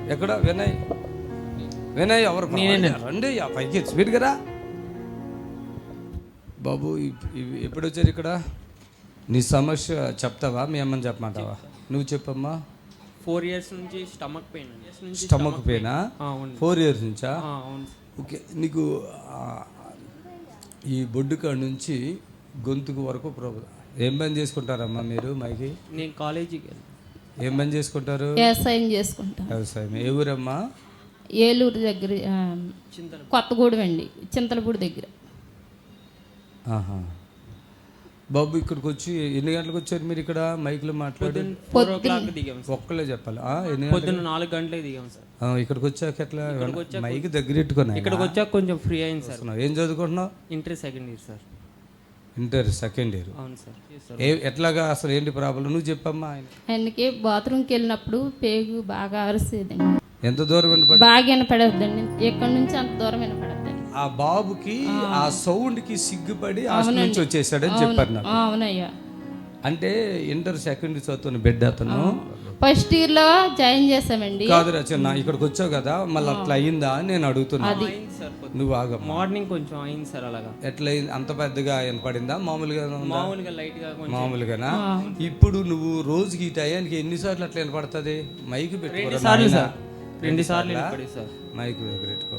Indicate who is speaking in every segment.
Speaker 1: ఎక్కడ వినయ్? వినయ్ ఎవరు? రండి పైకి స్పీడ్గా రా బాబు. ఎప్పుడు వచ్చారు ఇక్కడ? నీ సమస్య చెప్తావా? మీ అమ్మని చెప్పమంటావా? నువ్వు చెప్పమ్మా.
Speaker 2: 4 years నుంచి స్టమక్ పెయిన్.
Speaker 1: స్టమక్ పెయినా? 4 years నుంచా?
Speaker 2: అవును.
Speaker 1: ఓకే. నీకు ఈ బొడ్డు కాడ నుంచి గొంతుకు వరకు ప్రాబ్లం. ఏం పని చేసుకుంటారమ్మా మీరు? మైకి
Speaker 2: నేను కాలేజీకి వెళ్ళి
Speaker 1: ఏం పని చేసుకుంటారు?
Speaker 3: వ్యవసాయం చేసుకుంటాం.
Speaker 1: వ్యవసాయం. ఏ ఊరమ్మా?
Speaker 3: ఏలూరు దగ్గర, కొత్తగూడెం అండి, చింతలపూడి దగ్గర.
Speaker 1: బాబు ఇక్కడికి వచ్చి ఎన్ని గంటలకు వచ్చారు మీరు? ఇక్కడ మైక్లో మాట్లాడి
Speaker 2: 4 o'clock దిగాం సార్.
Speaker 1: ఒక్కలే చెప్పాలి.
Speaker 2: పొద్దున్న 4 గంటలకు దిగాం సార్.
Speaker 1: ఇక్కడికి వచ్చాక ఎట్లా? మైక్ దగ్గర పెట్టుకున్నా.
Speaker 2: ఇక్కడికి వచ్చాక కొంచెం ఫ్రీ అయింది సార్.
Speaker 1: ఏం చదువుకుంటున్నావు?
Speaker 2: Inter second year sir.
Speaker 1: Inter second year.
Speaker 2: అవును సార్.
Speaker 1: ఎట్లాగా అసలు ఏంటి ప్రాబ్లం? నువ్వు చెప్పమ్మా.
Speaker 3: ఆయనకి బాత్రూమ్కి వెళ్ళినప్పుడు పేగు బాగా అరిసేదండి.
Speaker 1: ఎంత దూరం వినపడ?
Speaker 3: బాగా వినపడద్దండి, ఎక్కడి నుంచి అంత దూరం వినపడద్దండి.
Speaker 1: ఆ బాబుకి ఆ సౌండ్ కి సిగ్గుపడి హాస్టల్ నుంచి వచ్చేసాడని చెప్పారు నాకు.
Speaker 3: అవునయ్యా.
Speaker 1: అంటే ఇంటర్ సెకండ్ ఇయర్ చదువుతున్న బిడ్డ అతను.
Speaker 3: ఫస్ట్ ఇయర్ లో జాయిన్ చేసామండి.
Speaker 1: కాదు రచన, ఇక్కడికి వచ్చావు కదా, మళ్ళీ అట్లా అయిందా అని నేను అడుగుతున్నా. నువ్వు ఆగ.
Speaker 2: మార్నింగ్ కొంచెం అయింది సార్. అలాగా
Speaker 1: ఎట్లా అయింది? అంత పెద్దగా వినపడిందా? మామూలుగా
Speaker 2: లైట్ గా
Speaker 1: మామూలుగానా? ఇప్పుడు నువ్వు రోజుకి ఈ టయానికి ఎన్నిసార్లు అట్లా వినపడుతుంది? మైక్ పెట్టుకో.
Speaker 2: 2 సార్లు సార్. 2 సార్లు వినపడింది సార్.
Speaker 1: మైక్ పెట్టుకో.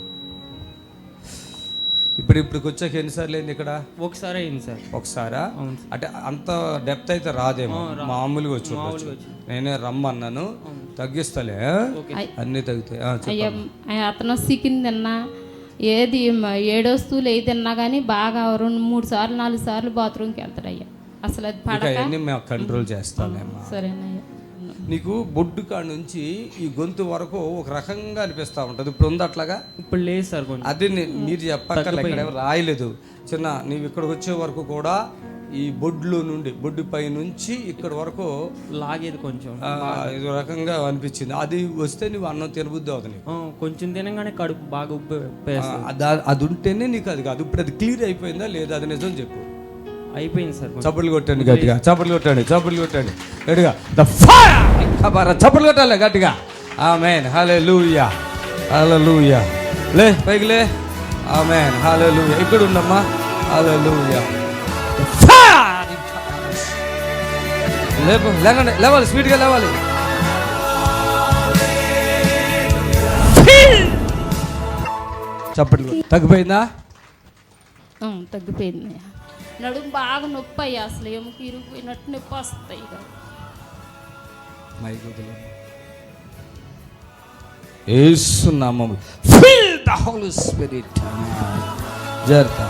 Speaker 1: ఇప్పటికి వచ్చాక ఎన్నిసార్లు అయింది ఇక్కడ?
Speaker 2: ఒకసారి అయింది సార్.
Speaker 1: ఒకసారా? అంటే అంత డెప్త్ అయితే రాదేమో, మామూలుగా వచ్చి. నేనే రమ్మన్నాను, తగ్గిస్తలే, అన్ని తగ్గుతాయి.
Speaker 3: అతను చికెన్ తిన్నా, ఏది ఏడో వస్తువులు ఏది తిన్నా కానీ బాగా 2-3 సార్లు 4 సార్లు బాత్రూమ్కి వెళ్తాడయ్యా. అసలు అది పడక
Speaker 1: మేము కంట్రోల్ చేస్తామేమో.
Speaker 3: సరేనయ్యా.
Speaker 1: నీకు బొడ్డు కాడ నుంచి ఈ గొంతు వరకు ఒక రకంగా అనిపిస్తూ ఉంటుంది. ఇప్పుడు ఉంది అట్లాగా?
Speaker 2: ఇప్పుడు లేదు సార్.
Speaker 1: అది మీరు చెప్పక్కర్లే, ఇక్కడ రాయలేదు చిన్న. నీవు ఇక్కడికి వచ్చే వరకు కూడా ఈ బొడ్లో నుండి, బొడ్డు పై నుంచి ఇక్కడ వరకు
Speaker 2: లాగేది కొంచెం
Speaker 1: ఇది రకంగా అనిపించింది. అది వస్తే నువ్వు అన్నం తినబుద్ధి అవుతుంది.
Speaker 2: కొంచెం తినగానే కడుపు బాగా
Speaker 1: అది ఉంటేనే నీకు అది కాదు. ఇప్పుడు అది క్లియర్ అయిపోయిందా లేదా? అది నిజం చెప్పు.
Speaker 2: అయిపోయింది సార్.
Speaker 1: చప్పట్లు కొట్టండి గట్టిగా, చప్పట్లు కొట్టండి, చప్పట్లు కొట్టండి గట్టిగా. The fire! చప్పట్లు కొట్టాలి గట్టిగా. ఆమేన్, హల్లెలూయా, హల్లెలూయా. లే పైకి లే. ఆమేన్, హల్లెలూయా. ఇక్కడ ఉండమ్మా. హల్లెలూయా. The fire! లేకండి, లేవాలి, స్పీడ్గా లేవాలి. చప్పట్లు. తగ్గిపోయిందా?
Speaker 3: తగ్గిపోయింది. నడుము బాగా నొప్పి అయ్యా, అసలు ఎముక ఇరిగిపోయినట్టు నొప్పి వస్తాయి.
Speaker 1: యేసు నామములో ఫిల్ ద హోలీ స్పిరిట్. జర్తా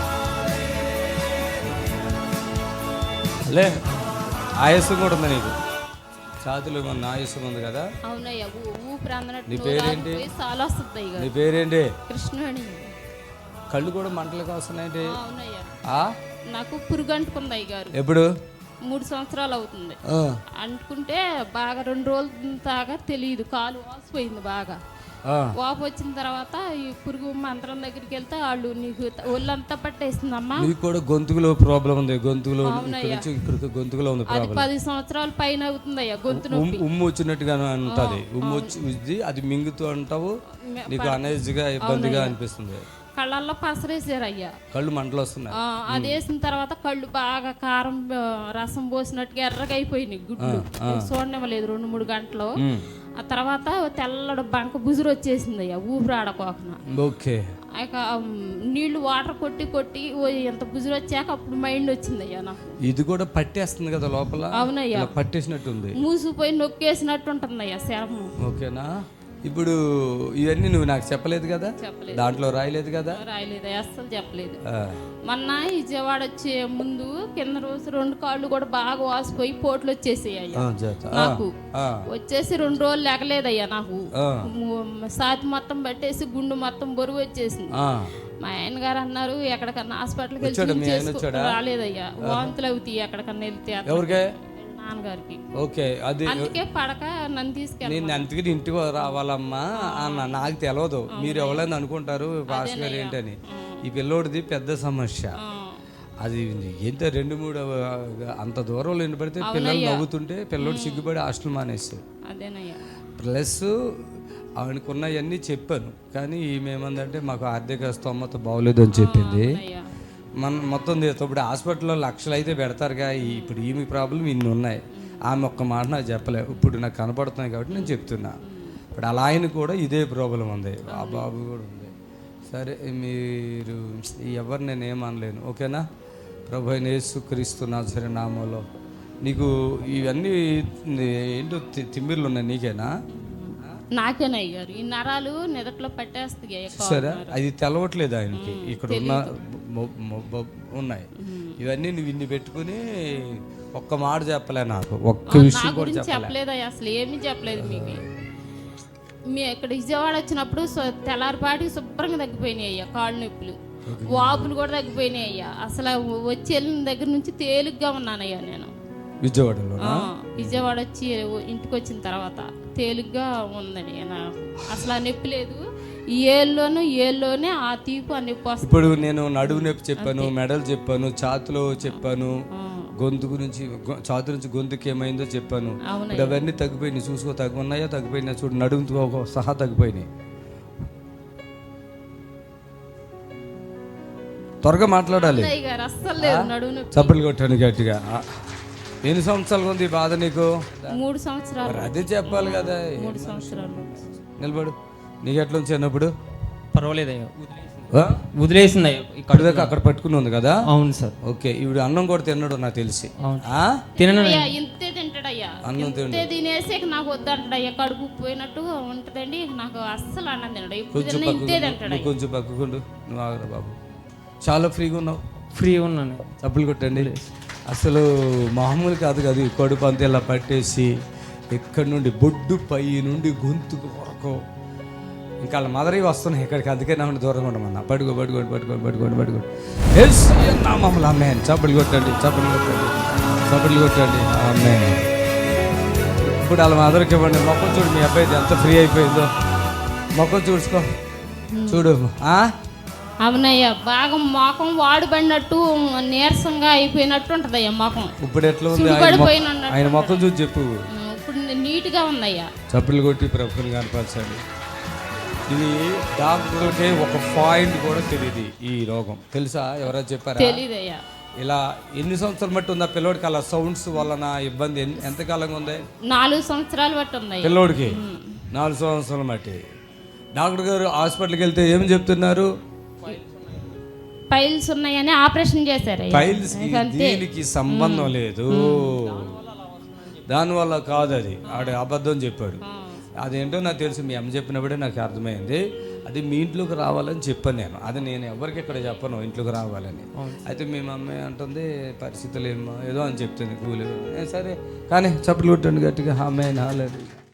Speaker 1: లే. ఆయాసం కూడా ఉంది నీకు, ఛాతీలో ఉన్న ఆయాసం ఉంది కదా?
Speaker 3: అవునయ్యా. ఊపిరి అందనట్టు.
Speaker 1: నీ పేరేంటి?
Speaker 3: చాలా వస్తుంది.
Speaker 1: నీ పేరేంటి?
Speaker 3: కృష్ణవేణి.
Speaker 1: కళ్ళు కూడా మంటలుగా వస్తున్నాయండి.
Speaker 3: అవునయ్యా. నాకు పురుగు అంటుకుంది అయ్యగారు.
Speaker 1: ఎప్పుడు?
Speaker 3: 3 సంవత్సరాలు అవుతుంది. అంటుకుంటే బాగా 2 రోజుల దాకా తెలియదు. కాలు వాసిపోయింది బాగా. వాపు వచ్చిన తర్వాత ఈ పురుగు మంత్రం దగ్గరికి వెళ్తే వాళ్ళు నీకు ఒళ్ళంతా పట్టేసిందమ్మా.
Speaker 1: నీకు కూడా గొంతులో ప్రాబ్లం ఉంది. గొంతులో గొంతులో ఉంది
Speaker 3: అది 10 సంవత్సరాల పైన అవుతుందయ్యా. గొంతు నొప్పి,
Speaker 1: ఉమ్ము వచ్చినట్టుగా ఉంటుంది. ఉమ్ము వచ్చి అది మింగుతూ అంటావు. నీకు అనేజ్గా ఇబ్బందిగా అనిపిస్తుంది.
Speaker 3: కళ్ళల్లో పసరేసారు అయ్యా.
Speaker 1: కళ్ళు మంటలు వస్తున్నాయి.
Speaker 3: అది వేసిన తర్వాత కళ్ళు బాగా కారం రసం పోసినట్టుగా ఎర్రగా అయిపోయినాయి. గుడ్లు చూడనివ్వలేదు 2-3 గంటలు. ఆ తర్వాత తెల్లడు బంక బుజురు వచ్చేసింది అయ్యా, ఊపిరాడకోకన.
Speaker 1: ఓకే.
Speaker 3: ఇక నీళ్లు వాటర్ కొట్టి ఎంత బుజురు వచ్చాక అప్పుడు మైండ్ వచ్చింది అయ్యా నాకు. ఇది
Speaker 1: కూడా పట్టేస్తుంది కదా లోపల?
Speaker 3: అవునయ్యా,
Speaker 1: పట్టేసినట్టుంది.
Speaker 3: మూసిపోయి నొక్కేసినట్టు ఉంటుంది అయ్యా శరము.
Speaker 1: ఓకేనా? ఇప్పుడు ఇవన్నీ నువ్వు నాకు చెప్పలేదు కదా? దాంట్లో రాయలేదు కదా?
Speaker 3: రాయలేదు, అస్సలు చెప్పలేదు. మొన్న విజయవాడ వచ్చే ముందు కింద రోజు 2 కాళ్ళు కూడా బాగా వాసిపోయి పోట్లు వచ్చేసాయి నాకు. వచ్చేసి 2 రోజులు లేకలేదయ్యా నాకు. సాతి మొత్తం పట్టేసి గుండు మొత్తం బరువు వచ్చేసింది. మా ఆయన గారు అన్నారు ఎక్కడికన్నా హాస్పిటల్కి వెళ్ళి రాలేదయ్యా. వాంతులు అవుతాయి ఎక్కడికన్నా వెళ్తే. నాన్నగారికి.
Speaker 1: ఓకే. అది
Speaker 3: అందుకే పడక నన్ను తీసుకెళ్ళి.
Speaker 1: నేను అందుకని ఇంటికి రావాలమ్మా అన్న. నాకు తెలియదు మీరు ఎవరైనా అనుకుంటారు భాష గారు ఏంటని. ఈ పిల్లోడిది పెద్ద సమస్య. అది ఎంత 2-3 అంత దూరంలో వినపడితే పిల్లలు నవ్వుతుంటే పిల్లోడు సిగ్గుపడి హాస్టల్ మానేస్తారు.
Speaker 3: అదేనయ్యా.
Speaker 1: ప్లస్ ఆవిడకున్నవన్నీ చెప్పాను, కానీ ఈమె ఏమందంటే మాకు ఆర్థిక స్తోమత బాగోలేదు అని చెప్పింది.
Speaker 3: అయ్యా
Speaker 1: మనం మొత్తం ఇప్పుడు హాస్పిటల్లో లక్షలు అయితే పెడతారుగా, ఇప్పుడు ఈమె ప్రాబ్లం ఇన్ని ఉన్నాయి. ఆమె ఒక్క మాట నాకు చెప్పలే, ఇప్పుడు నాకు కనపడుతున్నాయి కాబట్టి నేను చెప్తున్నా. ఇప్పుడు అలా ఆయన కూడా ఇదే ప్రాబ్లం ఉంది, ఆ బాబు కూడా ఉంది. సరే మీరు ఎవరు నేను ఏమనలేను, ఓకేనా? ప్రభు అయిన యేసుక్రీస్తు నాజరేయుని నామములో నీకు ఇవన్నీ ఏంటో తిమ్మిర్లు ఉన్నాయి, నీకేనా?
Speaker 3: నాకేనయ్యారు ఈ నరాలు నిదట్లో పట్టేస్తాయి.
Speaker 1: సరే, అది తెలవట్లేదు ఆయనకి. ఇక్కడ ఉన్న ఉన్నాయి ఇవన్నీ నువ్వు ఇన్ని పెట్టుకుని ఒక్క మాట చెప్పలే, నాకు ఒక్క విషయం కూడా
Speaker 3: చెప్పలేదు అసలు, ఏమీ చెప్పలేదు మీకు. మీ ఇక్కడ విజయవాడ వచ్చినప్పుడు తెల్లారిపాటికి శుభ్రంగా తగ్గిపోయినాయి అయ్యా, కాళ్ళు నొప్పులు, వాపులు కూడా తగ్గిపోయినాయి అయ్యా. అసలు వచ్చి వెళ్ళిన దగ్గర నుంచి తేలిగ్గా ఉన్నానయ్యా నేను
Speaker 1: విజయవాడలో.
Speaker 3: విజయవాడ వచ్చి ఇంటికి వచ్చిన తర్వాత తేలిగ్గా ఉందని అసలు ఆ నొప్పి లేదు. ఏళ్ళలోనే ఆ తీపు ఆ నొప్పి వస్తుంది.
Speaker 1: ఇప్పుడు నేను నడువు నొప్పి చెప్పాను, మెడలు చెప్పాను, ఛాతులో చెప్పాను, గొంతు గురించి ఛాతు నుంచి గొంతుకి ఏమైందో చెప్పాను. ఇప్పుడు అవన్నీ తగ్గిపోయినాయి, చూసుకో. తగ్గున్నాయో తగ్గిపోయినా చూడు, నడుముతో సహా తగ్గిపోయినాయి. త్వరగా మాట్లాడాలి, చప్పట్లు కొట్టాను గట్టిగా. ఎన్ని సంవత్సరాలు ఉంది ఈ బాధ నీకు?
Speaker 3: 3 సంవత్సరాలు.
Speaker 1: అదే చెప్పాలి కదా.
Speaker 3: 3 సంవత్సరాలు.
Speaker 1: నిలబడు. నీకు ఎట్లా ఉంది చిన్నప్పుడు?
Speaker 2: పర్వాలేదయ్యా, వదిలేసింది అయ్యా.
Speaker 1: ఇక్కడ దాకా అక్కడ పట్టుకుని ఉంది కదా?
Speaker 2: అవును సార్.
Speaker 1: ఓకే, ఇప్పుడు అన్నం కూడా తిన్నాడు నాకు తెలిసి.
Speaker 3: తినయ్యా, ఇంతే తింటాడయ్యా. అన్నం తినేసి నాకు వద్దంటాడయ్యా, కడుపు పోయినట్టుగా ఉంటదండి. నాకు అస్సలు అన్నం తినడు, ఇంతే తింటాడు.
Speaker 1: కొంచెం పక్కకుండు, నువ్వు ఆగరా బాబు. చాలా ఫ్రీగా ఉన్నావు.
Speaker 2: ఫ్రీ ఉన్నాను.
Speaker 1: చప్పులు కొట్టండి. అసలు మామూలు కాదు కదా, ఈ కడుపు అంతా ఇలా పట్టేసి ఎక్కడి నుండి బొడ్డు పై నుండి గొంతుకు వరకు ఇంకా వాళ్ళ మదరి వస్తున్నాయి ఇక్కడికి. అందుకే నా దూరంగా ఉండమన్నా. పడుకోండి. మమ్మల్ని ఆమేన్. చప్పట్లు కొట్టండి. ఆమేన్. ఇప్పుడు వాళ్ళ మదరికి ఇవ్వండి. మొక్కం చూడు, మీ అబ్బాయి ఎంత ఫ్రీ అయిపోయిందో. మొక్కం చూసుకో, చూడు.
Speaker 3: అవునయ్యా, బాగా మొఖం వాడుబడినట్టు నీరసంగా అయిపోయినట్టు ఉంటదయ్యా మొఖం.
Speaker 1: ఇప్పుడు ఎట్లా ఉంది ఆయన మొఖం చూసి చెప్పు.
Speaker 3: ఇప్పుడు నీట్ గా ఉందయ్యా.
Speaker 1: చప్పట్లు కొట్టి ప్రభుని కనపరచండి. ఇది డాక్టర్కి ఒక పాయింట్ కూడా తెలియదు ఈ రోగం, తెలుసా? ఎవరైనా చెప్పారా?
Speaker 3: తెలీదయ్యా.
Speaker 1: ఇలా ఎన్ని సంవత్సరాలు బట్టి ఉందా పిల్లోడికి? అలా సౌండ్స్ వలన ఇబ్బంది ఎంతకాలంగా ఉంది?
Speaker 3: 4 సంవత్సరాలు బట్టి ఉంది
Speaker 1: పిల్లోడికి. 4 సంవత్సరాలు బట్టి డాక్టర్ గారు హాస్పిటల్కి వెళ్తే ఏం చెప్తున్నారు?
Speaker 3: పైల్స్ ఉన్నాయని ఆపరేషన్ చేశారు.
Speaker 1: పైల్స్ దీనికి సంబంధం లేదు, దానివల్ల కాదు. అది ఆడ అబద్ధం చెప్పాడు. అదేంటో నాకు తెలుసు, మీ అమ్మ చెప్పినప్పుడే నాకు అర్థమైంది. అది మీ ఇంట్లోకి రావాలని చెప్పాను నేను. అది నేను ఎవరికి ఇక్కడ చెప్పను ఇంట్లోకి రావాలని. అయితే మీ మమ్మీ అంటుంది పరిస్థితులు ఏమో ఏదో అని చెప్తుంది, కూలి. సరే కానీ చప్పట్లు కొట్టండి గట్టిగా. ఆమేన్. హల్లెలూయా.